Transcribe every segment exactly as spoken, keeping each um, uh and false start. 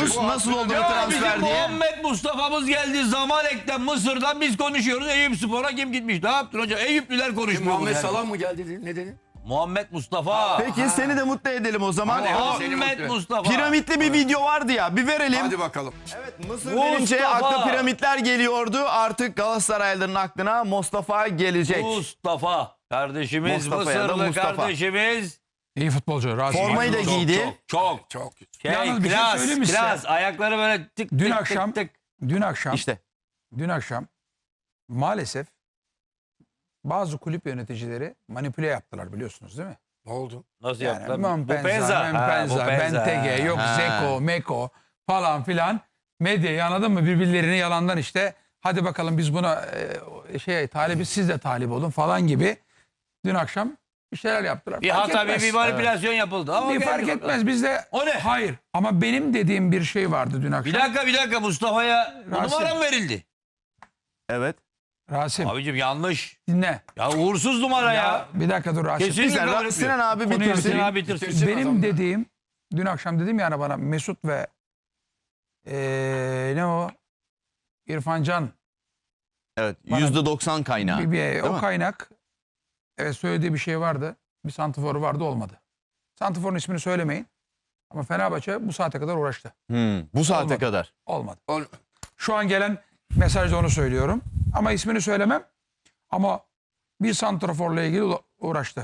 biliyorsun nasıl oldu bu Ya bizim transfer diye. Muhammed Mustafa'mız geldi Zamalek'ten Mısır'dan biz konuşuyoruz. Eyüp Spor'a kim gitmiş? Ne yaptın hocam? Eyüplüler konuşmuyor. Muhammed bunu Salah mı geldi dedi, ne dedi? Muhammed Mustafa. Peki seni de mutlu edelim o zaman. Hadi, O hadi. Seni Muhammed mutlu. Mustafa. piramitli bir video vardı ya, bir verelim. Hadi bakalım. Evet, Mısır Mustafa. denince akla piramitler geliyordu. Artık Galatasaraylıların aklına Mustafa gelecek. Mustafa. Kardeşimiz, Mustafa ya da Mısırlı Mustafa. kardeşimiz. İyi futbolcu. Rasim. Formayı da Çok, giydi. Çok çok. Çok Şey, Yalnız bir şey klas, söyleyeyim mi size? klas. Ayakları böyle tık Dün tık akşam- tık tık. Dün akşam, İşte. dün akşam maalesef bazı kulüp yöneticileri manipüle yaptılar biliyorsunuz değil mi? Ne oldu? Nasıl Yani yaptılar? Mompenza, Ha, Mempenza, Bopenza. Benteke, yok Ha. Zeko, Meko falan filan. Medyayı anladın mı? Birbirlerini yalandan işte hadi bakalım biz buna e, şey talibiz siz de talip olun falan gibi. Dün akşam bir şeyler yaptılar. Bir Fark hata bir, etmez. bir manipülasyon yapıldı. Ama Bir geldi fark bakalım. etmez bizde. O ne? Hayır ama benim dediğim bir şey vardı dün akşam. Bir dakika bir dakika Mustafa'ya bu Rasim. numara mı verildi? Evet. Rasim Abicim yanlış. dinle. Ya uğursuz numara ya. Ya, bir dakika dur Rasim. Kesinlikle Güzel. kabul Ra- etmiyorum. Sinan abi Konuyu bitirsin. Sinan abi bitirsin. Benim adamlar. dediğim dün akşam dedim yani bana Mesut ve eee, ne o İrfan Can Evet. Bana- yüzde doksan kaynağı. bir, bir- Değil o mi? kaynak evet söylediği bir şey vardı. Bir santiforu vardı olmadı. Santiforun ismini söylemeyin. Ama Fenerbahçe bu saate kadar uğraştı. Hmm, bu saate Olmadı. kadar. Olmadı. Ol- Şu an gelen mesajda onu söylüyorum. Ama ismini söylemem. Ama bir santraforla ilgili uğra- uğraştı.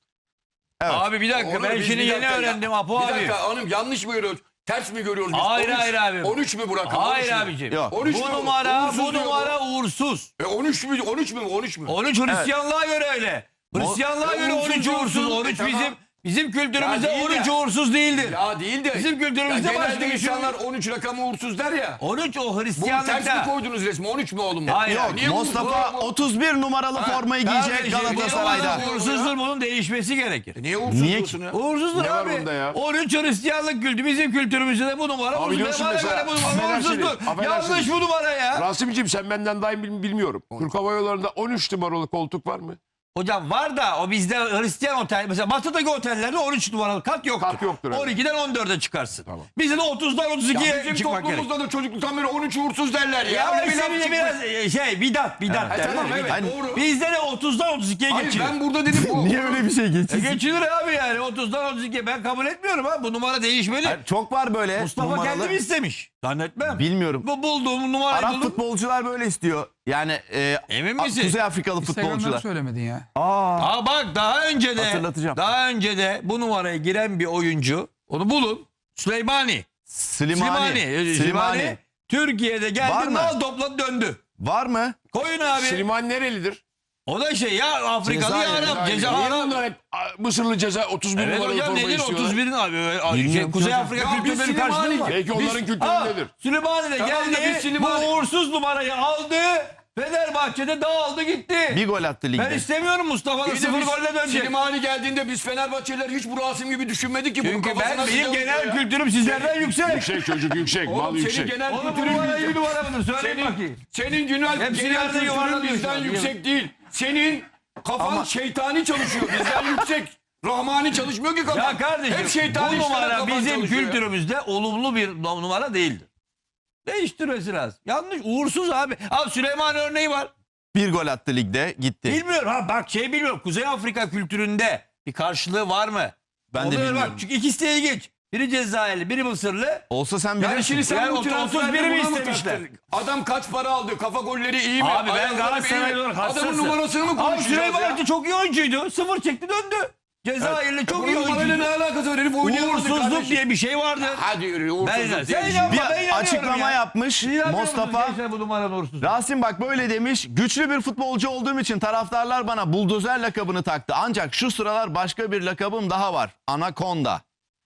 Evet. Abi bir dakika Onur, ben biz şimdi bir yeni dakika- öğrendim Apo Bir abi. dakika hanım yanlış mı görüyoruz? Ters mi görüyoruz biz? Hayır, on üç hayır abi. on üç mü bırakalım? Hayır on üç mü? abicim. Yok. on üç Bu mü? numara Uğursuz bu diyor numara uğursuz. E on üç mü? on üç mü? on üç mü? on üç Hristiyanlığa göre öyle. Hristiyanlığa E, göre on üç uğursuz uğursuz. diyorsun. on üç E, bizim tamam. bizim kültürümüzde Ya değil on üç de. uğursuz değildir. Ya değil de. Bizim kültürümüzde ya başka genelde bir şey yok. insanlar on üç rakamı uğursuz der ya. on üç o Bunu ters mi Hristiyanlıkta. koydunuz resmi? on üç mü oğlum? Hayır. Yok, Niye Mustafa uğursuz? otuz bir numaralı formayı giyecek Kardeşim, Galatasaray'da. bu Uğursuzdur bunun değişmesi gerekir. Niye uğursuz Niye diyorsun ya? Uğursuzdur Ne var abi. bunda ya? on üç Hristiyanlık kültü bizim kültürümüzde de bu numara uğursuz. biliyorsun Bana mesela, göre bu numara affedersiniz, uğursuzdur. affedersiniz. Yanlış bu numara ya. Rasim'ciğim sen benden daha iyi bil- bilmiyorum. Türk Hava Yolları'nda on üç numaralı koltuk var mı? Hocam var da o bizde Hristiyan otel mesela batıdaki otellerde on üç numaralı kat yoktur. Kat yoktur, evet. on ikiden on dörde çıkarsın. Tamam. Bizde de otuzdan otuz Ya ikiye bizim çıkmak gerek. toplumumuzda da çocukluktan beri on üç uğursuz derler ya. Ya Öyle bir laf işte çıkmış. biraz e, şey bidat bidat Ha, derler. tamam evet bidat. doğru. Bizde de otuzdan otuz ikiye Hayır geçiyor. ben burada dedim bu. Niye öyle bir şey E geçiyorsun? geçilir abi yani otuzdan otuz ikiye ben kabul etmiyorum ha bu numara değişmeli. Hayır, çok var böyle Mustafa numaralı. kendi mi istemiş? Zannetmem. Bilmiyorum. Bu bulduğum numarayı Arap buldum. futbolcular böyle istiyor. Yani e, Emin A- misin? Kuzey Afrikalı Instagram'da futbolcular. söylemedin ya. Aa, Aa bak daha önce de Hatırlatacağım. daha önce de bu numaraya giren bir oyuncu onu bulun. Süleymani. Slimani. Slimani. Slimani. Türkiye'de Var geldi mı? nal topladı döndü. Var mı? Koyun abi. Slimani nerelidir? O da şey ya Afrikalı ya Cezayir, Arap. Niye Ceza Arap. bunlar hep a, Mısırlı ceza otuz bir Evet numaralı hocam forma nedir istiyorlar? otuz birin abi. Öyle- Şey, Bilmiyorum Kuzey hocam. Afrika Ya biz kültürleri karşılıyor Slimani- mu? Belki onların Aa, kültüründedir. Süleymani de Tamam da geldi. biz Slimani- Bu uğursuz numarayı aldı. Fenerbahçe'de dağıldı gitti. Bir gol attı ligde. Ben istemiyorum Mustafa'nın Bir de sıfır biz golle dönecek. Slimani geldiğinde biz Fenerbahçeliler hiç bu Rasim gibi düşünmedik ki. Bunun Çünkü kafasına ben benim sıcak genel oluyor ya. kültürüm sizlerden yüksek. Yüksek çocuk yüksek, mal Oğlum senin yüksek. genel Oğlum bu kültürün numara iyi bir yüksek. numara mıdır? Söyleyin Senin, bakayım. senin genel, Hepsini genel yerde kültürün yuvarlanıyor şu bizden an. yüksek değil. Senin kafan Ama- şeytani çalışıyor. Bizden yüksek. Rahmani çalışmıyor ki kafan. Ya kardeşim Hep şeytani bu işlere numara kafan bizim çalışıyor ya. kültürümüzde olumlu bir numara değildir. Değiştirmesi lazım. Yanlış uğursuz abi. Abi Süleyman örneği var. Bir gol attı ligde gitti. Bilmiyorum ha bak şey bilmiyorum. Kuzey Afrika kültüründe bir karşılığı var mı? Ben de Onu bilmiyorum. Bak, çünkü ikisi de ilginç. Biri Cezayirli, biri Mısırlı. Olsa sen bilirsin. Yani şimdi sen Yani bu otuz- transferde otuz biri mi buna mı istemişler? taktın? Adam kaç para aldı? Kafa golleri iyi mi? Abi ben Ayakları Galatasaraylı iyi mi? olarak Adamın hassasım. numarasını mı Abi konuşacağız Süleyman ya? Hoca çok iyi oyuncuydu. Sıfır çekti döndü. Cezayirli çok iyi Bunun numarayla oyuncuydu. ne alakası var? Herif oynayamadı Uğursuzluk kardeşim. diye bir şey vardır. Hadi yürü Ben, uğursuzluk diye sen bir şey. yapma, Bir ben inanıyorum açıklama ya. yapmış İnanmıyor musunuz Mustafa. gençler bu numaranın uğursuzluğu? Rasim bak böyle demiş. Güçlü bir futbolcu olduğum için taraftarlar bana buldozer lakabını taktı. Ancak şu sıralar başka bir lakabım daha var. Anakonda.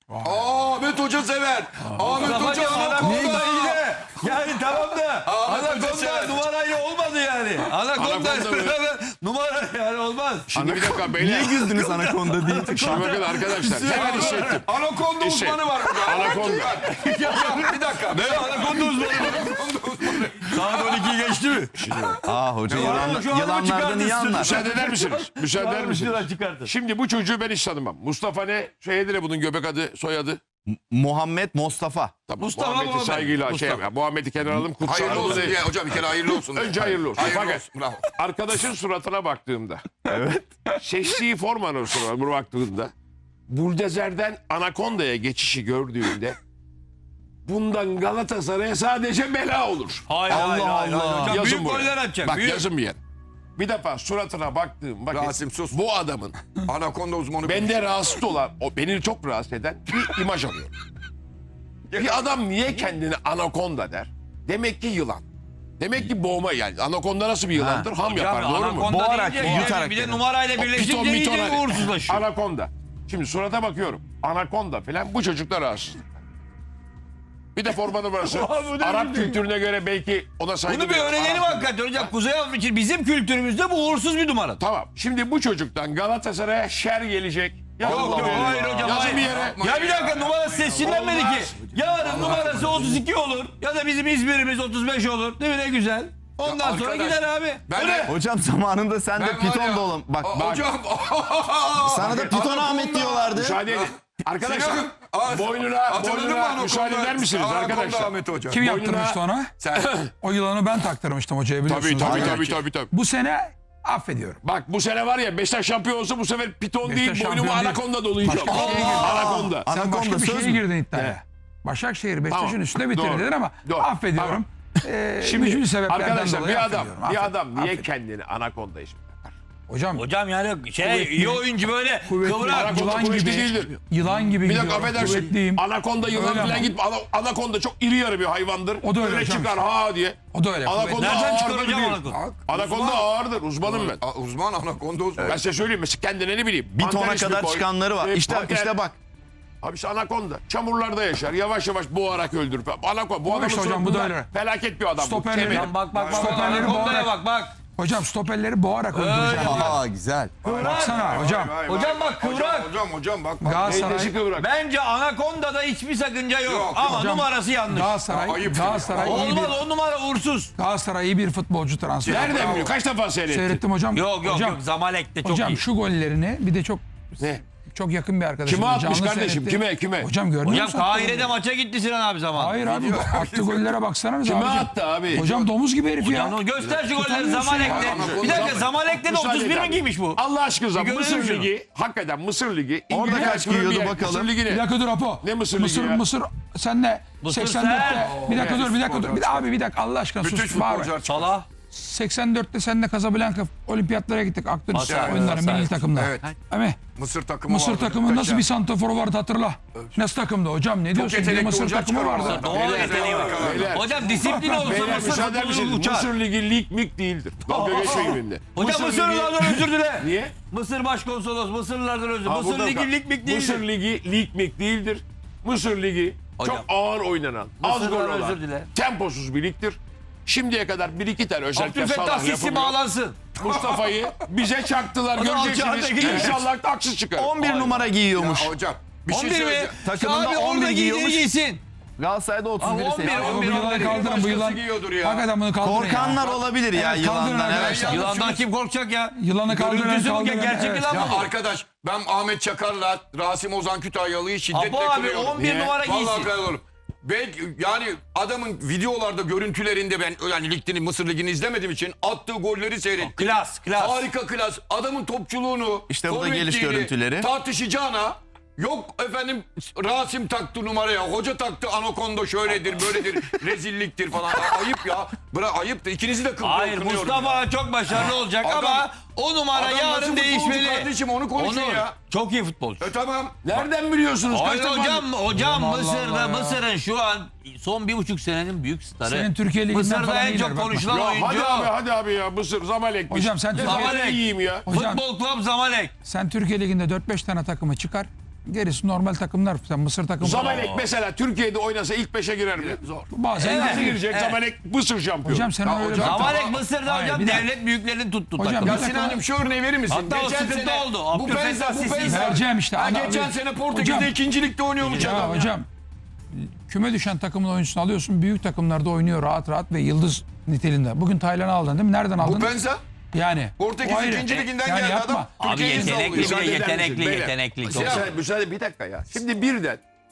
Aa, Ahmet Hoca sever. Ahmet Hoca Hocam anakonda. Anakonda iyi de. Yani tamam da Ahmet Hoca Anakonda sever. numarayla olmadı yani. Anakonda Anakonda mı? numara yani olmaz. Şimdi bir dakika Niye beyler. güldünüz Anakonda deyince? Şimdi bakın arkadaşlar. Hemen hissettim. Anakonda Hisset. uzmanı var burada. Anakonda. Ya, bir dakika. Ne Anakonda uzmanı? Anakonda uzmanı. Saat on ikiyi geçti mi? Aa hoca Ya, yılan, şu adamı yılanlardan çıkartın iyi siz. anlar. Müsaade eder misiniz? Müsaade eder misiniz? Çıkartın. Şimdi bu çocuğu ben hiç tanımam. Mustafa ne? Şeydir ya bunun göbek adı, soyadı. Muhammed Mustafa. Tamam, Mustafa Muhammed'i Muhammed. saygıyla şey Mustafa. Muhammed'i kenara alalım. Kutsal Hayırlı olsun değil. diye hocam bir kere hayırlı olsun. Önce hayırlı olsun. Hayırlı Fakat olsun. Bravo. arkadaşın suratına baktığımda. Evet. Seçtiği formanın suratına baktığında. Buldezer'den Anaconda'ya geçişi gördüğünde. Bundan Galatasaray'a sadece bela olur. Hayır Allah hayır hayır. Allah. Hocam Yazın büyük buraya. goller atacak. Bak büyük. yazın bir yer. Bir defa suratına baktığım vakit Rasim sus. bu adamın Anakonda uzmanı. bende rahatsız olan, o beni çok rahatsız eden bir imaj alıyor. Bir adam niye kendini anakonda der? Demek ki yılan. Demek ki boğma yani. Anakonda nasıl bir yılandır? Ham Hocam, yapar, doğru mu? anakonda Boğarak, deyince yani yutarak bir de yani. numarayla Piton birleşince miton iyice hani. uğursuzlaşıyor. Anakonda. Şimdi surata bakıyorum. Anakonda falan bu çocuklar rahatsız. Bir de forma numarası. Arap kültürüne göre belki ona saygı Bunu bir duyuyorum. öğrenelim Arap hakikaten hocam. Kuzey Avrupa için bizim kültürümüzde bu uğursuz bir numara. Tamam. Şimdi bu çocuktan Galatasaray'a şer gelecek. Yazın Yok bir yok yere. hayır hocam. Yazın hayır. bir yere. Ya bir dakika numarası seçilinmedi ki. Olmaz. Yarın numarası otuz iki olur. Ya da bizim İzmir'imiz otuz beş olur. Değil mi ne güzel. Ondan Ya sonra arkadaş, gider abi. ben Öyle. de- Hocam zamanında sen de Ben var piton ya- da oğlum. Bak, Aa, bak Hocam. sana da piton Anakonda. Ahmet diyorlardı. Müsaade edin. Arkadaşlar Sinan, aa, boynuna, hatırladın mı boynuna Anakonda? müsaade eder misiniz Anakonda arkadaşlar? Ahmet hocam. Kim Boynuna- yaptırmıştı ona? Sen. O yılanı ben taktırmıştım hocaya biliyorsunuz. Tabii tabii Aynen. tabii tabii tabii. Bu sene affediyorum. Bak bu sene var ya Beşiktaş şampiyon olsa bu sefer piton Beşiktaş değil boynumu şampiyon değil. anakonda dolayacağım. Başka şeye girdi. Anakonda. Sen Anakonda başka bir söz şeye mü? girdin iddiaya. Başakşehir Beşiktaş'ın Tamam. üstüne bitirir Doğru. dedin ama Doğru. affediyorum. Ee, Şimdi mücbir sebeplerden arkadaşlar dolayı bir adam, affediyorum. bir Affed- adam niye affediyorum. kendini anakonda ismi takar? Hocam Hocam yani şey Kuvvetli. iyi oyuncu böyle Kuvvetli. kıvrak. Anakonda yılan kuvvetli gibi, değildir. yılan gibi Bir dakika gidiyorum. affedersin. Kuvvetliyim. Anakonda yılan Öyle falan ama. gitme. Ana- Anakonda çok iri yarı bir hayvandır. O da öyle hocam. çıkar ha diye. O da öyle. Anakonda kuvvetli. Nereden çıkar ağırdır hocam değil. anakonda? Anakonda ağırdır. Uzmanım ben. Aa, Uzman anakonda uzman. Ben size söyleyeyim. Mesela kendine ne bileyim. Bir tona Panter ismi kadar koy. çıkanları var. E, İşte panter. işte bak. Abi işte anakonda. Çamurlarda yaşar. Yavaş yavaş boğarak öldürür. Anakonda. Bu Ama adamın işte hocam, bu da suratında öyle. Felaket bir adam. bu. Stoperleri- Kemeri. Hocam bak bak bak. Stoperleri Anakondaya boğarak- bak bak. Hocam stoperleri boğarak öldüreceğim. Aa güzel. Baksana hocam. Vay, vay, Hocam vay. bak, kıvrak. Hocam hocam hocam bak. bak. Galatasaray, Neyse kıvrak. Bence Anakonda'da hiçbir sakınca yok. Yok, Ama hocam, numarası yanlış. Galatasaray, Ya, ayıp. Galatasaray iyi bir, Olmaz o numara uğursuz. Galatasaray iyi bir futbolcu transferi. Nereden biliyor? Kaç defa seyrettin? Seyrettim hocam. Yok yok hocam, yok Zamalek'te çok Hocam iyi. şu gollerini bir de çok Ne? çok yakın bir arkadaşım. Kime atmış Canlı kardeşim? seyrettim. Kime, kime? Hocam görmüyor Hocam musun? Kahire'de maça gitti Sinan abi zaman. Hayır abi attığı gollere baksana. Kime hocam. attı abi? Hocam domuz gibi herif ya. Hocam göster şu golleri Tutamıyorsun Zamalek'te. ya. Bir dakika Zaman- Zamalek'te de Müsaade otuz bir et mi abi. giymiş bu? Allah aşkına Bir Mısır görelim şunu. Ligi, hakikaten Mısır Ligi. Orada İngiltere kaç Premier giyiyordu Lig, bakalım? Mısır Ligi Bir ne? dakika dur Apo. Ne Mısır Mısır, Ligi ya? Mısır sen ne? Mısır seksen dörtte. sen. Bir dakika dur bir dakika dur. Bir, abi bir dakika Allah aşkına Bütün sus. Bağırma. futbolcular Salah. seksen dörtte seninle Casablanca olimpiyatlara gittik. Akdeniz Masar, oyunları Masar. milli takımda. Evet. Ama Mısır takımı Mısır vardı. takımı nasıl Muhteşem. bir santraforu vardı hatırla. Nasıl takımdı hocam? Ne diyorsun? Bir yetenekli Mısır oyuncular takımı çıkar vardı. oradan. Doğal Beyler, yeteneği var. Beyler. Hocam disiplin olsa Beyler Mısır müsaade futbolu misiniz? uçar. Mısır Ligi lig mik değildir. Dalga geçmeyin benimle. Hocam Mısır Mısırlılardan özür dile. Niye? Mısır başkonsolos Mısırlılardan özür. Ha, Mısır burada Ligi bak. lig mik Mısır değildir. Ligi lig mik değildir. Mısır Ligi Hocam. çok ağır oynanan, az gol Mısır'dan olan, özür dile. temposuz bir ligdir. Şimdiye kadar bir iki tane özellikle Abdülfettah Salah Sisi yapılıyor. bağlansın. Mustafa'yı bize çaktılar O da göreceksiniz. Alçağ'daki- İnşallah da haksız çıkar. on bir numara giyiyormuş. Ya hocam bir şey on bir mi? söyleyeceğim. Takımında Abi on bir orada giydiğini giyiyormuş. giysin. Galatasaray'da otuz biri Abi on bir, seçti. on Bu bir, yılanı on bir. kaldırın bu Başkası yılan. giyiyordur ya. Hakikaten bunu kaldırın Korkanlar ya. olabilir ya Evet, kaldırın yılandan. Evet. arkadaşlar. Yılandan kim korkacak ya? Yılanı kaldıran Görüntüsü bu kaldıran. gerçek Evet. yılan Ya mı? arkadaş ben Ahmet Çakar'la Rasim Ozan Kütahyalı'yı şiddetle Apo abi kınıyorum. on bir Niye? numara Vallahi giysin. kınıyorum. Belki yani adamın videolarda görüntülerinde ben yani ligini Mısır Ligi'ni izlemediğim için attığı golleri seyrettim. Klas, klas. Harika klas. Adamın topçuluğunu, İşte bu da geliş forvetliğini görüntüleri. tartışacağına yok efendim Rasim taktı numaraya, hoca taktı anakonda şöyledir, böyledir, rezilliktir falan. Ayıp ya. Bırak ayıptır. İkinizi de kınıyorum. Hayır Mustafa çok başarılı olacak Adam- ama o numara Adam nasıl yarın futbolcu değişmeli. kardeşim, onu konuşun Onur, ya. Çok iyi futbolcu. E tamam. Nereden biliyorsunuz? Hayır Kaç defa- hocam, hocam Allah Mısır'da Allah ya. Mısır'ın şu an son bir buçuk senenin büyük starı. Senin Türkiye Ligi'nden Mısır'da falan en iyiler, çok bakma. konuşulan Ya oyuncu. hadi abi hadi abi ya Mısır Zamalek. Hocam sen Türkiye, Zamalek. yiyeyim ya. hocam, Futbol Club Zamalek. sen Türkiye Ligi'nde dört beş tane takımı çıkar. Gerisi normal takımlar. Sen Mısır takımı. Zamalek mesela Türkiye'de oynasa ilk beşe girer mi? Zor. Bazen Evet. Nasıl girer. girecek? Evet. Zamalek Mısır şampiyonu. Hocam sen Ya öyle hocam, bak. Zamalek Mısır'da Hayır, hocam bir dakika. devlet büyüklerini tuttu. Hocam, takım. bir Ya dakika. Sinan'cığım şu örneği verir misin? Hatta o sıkıntı oldu. Bu Abdülfettah Penza, bu Sisi. Penza. Vereceğim işte. Ha, Ana- geçen sene Portekiz'de Hocam- ikinci ligde oynuyormuş Ya adam. hocam küme düşen takımın oyuncusunu alıyorsun. Büyük takımlarda oynuyor rahat rahat ve yıldız niteliğinde. Bugün Taylan'ı aldın değil mi? Nereden Bu aldın? Penza Yani. Portekiz o ayrı. ikinci liginden Yani geldi yapma. adam. Abi Türkiye'yi yetenekli savunuyor. bir de Müsaade eder yetenekli misiniz? Beyler. yetenekli. Müsaade, müsaade bir dakika ya. Şimdi birden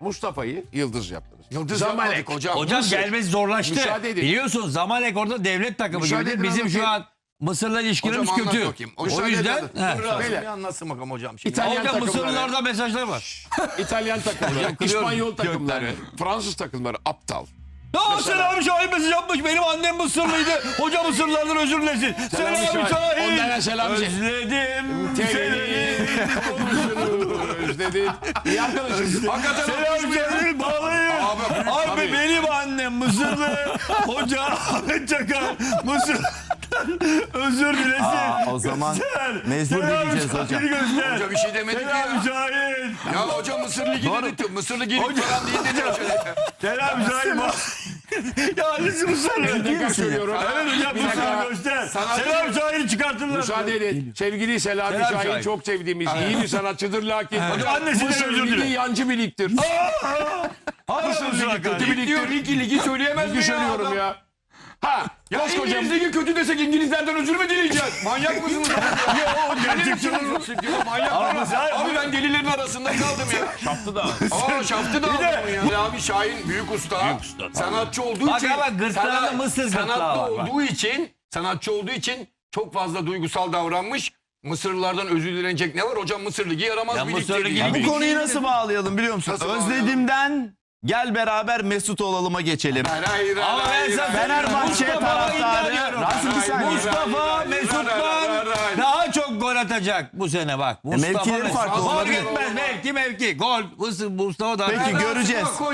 Mustafa'yı yıldız yaptınız. Yıldız Zamalek. yapmadık hocam. Hocam Mısır. gelmesi zorlaştı. Müsaade edin. Biliyorsun Zamalek orada devlet takımı Müsaade gibidir. edin, Bizim şu anlatayım. an Mısır'la ilişkilerimiz Hocam anlat kötü. bakayım. O Müsaade yüzden edin. he. Dur Rasim Beyler. bir anlatsın bakalım hocam. Şimdi. İtalyan Hocam takımları, Mısırlılarda mesajlar var. İtalyan takımları, Kırıyorum. İspanyol takımları, Fransız takımları aptal. Ya Selam Şahin mesaj yapmış. Benim annem Mısırlıydı. Hoca Mısırlılardan özür dilesin. Selam Şahin. Şahin. Onlara selam Şahin. Özledim Seni seni. özledin. İyi arkadaşım. Hakikaten Selam Şahin bağlayın. Abi, Abi tabii. benim annem Mısırlı. Hoca Ahmet Çakar Mısır. Özür dilesin. Aa, o zaman mecbur Selam dinleyeceğiz hocam. Şahin'i göster. Hoca bir şey demedi ki Selam ya. Şahin. Ya hoca Mısır Ligi dedi. Mısır Ligi falan değil dedi. Selam Şahin. Ya annesi Mısırlı. Tekrar söylüyorum. Evet hocam Bir dakika. Mısırlı göster. Sanatçı- Selam Şahin'i çıkartırlar. Müsaade edin. Sevgili Selami Selam Şahin Şahin. çok sevdiğimiz iyi bir sanatçıdır lakin Hocam annesinden Mısır özür Ligi dile. yancı bir ligdir. Mısır Ligi kötü bir Diyor ligdir. ligi ligi söyleyemez mi Ligi ya söylüyorum adam? ya. Ha, Ya koskoca İngiliz ligi kötü desek İngilizlerden özür mü dileyeceğiz? Manyak mısınız? Ya gerçekçi Manyak mısınız? Abi ben delilerin arasında kaldım ya. yaptı da. Aa şaftı da aldım ya. Abi Şahin büyük usta. Sanatçı olduğu Bak için. ama gırtlağında sanat- Mısır gırtlağı Sanatlı var, bak. olduğu için, sanatçı olduğu için çok fazla duygusal davranmış. Mısırlılardan özür dilenecek ne var? Hocam Mısır Ligi yaramaz Ya bir Mısır lig dedi. Ligi Ya. bir Bu konuyu nasıl bağlayalım biliyor musun? Nasıl bağlayalım? Özledim'den gel beraber Mesut olalım'a geçelim. Hayır, hayır, Ama hayır, ben sana hayır. Fenerbahçe Mustafa taraftarı. iddia ediyorum. Rasim bir saniye. Mustafa Hayır, Mesut hayır, hayır, hayır, Van hayır. daha çok gol atacak bu sene bak. Mustafa mevkileri Mesut. farklı Fark olabilir. etmez mevki mevki. Gol Mustafa daha Peki göreceğiz.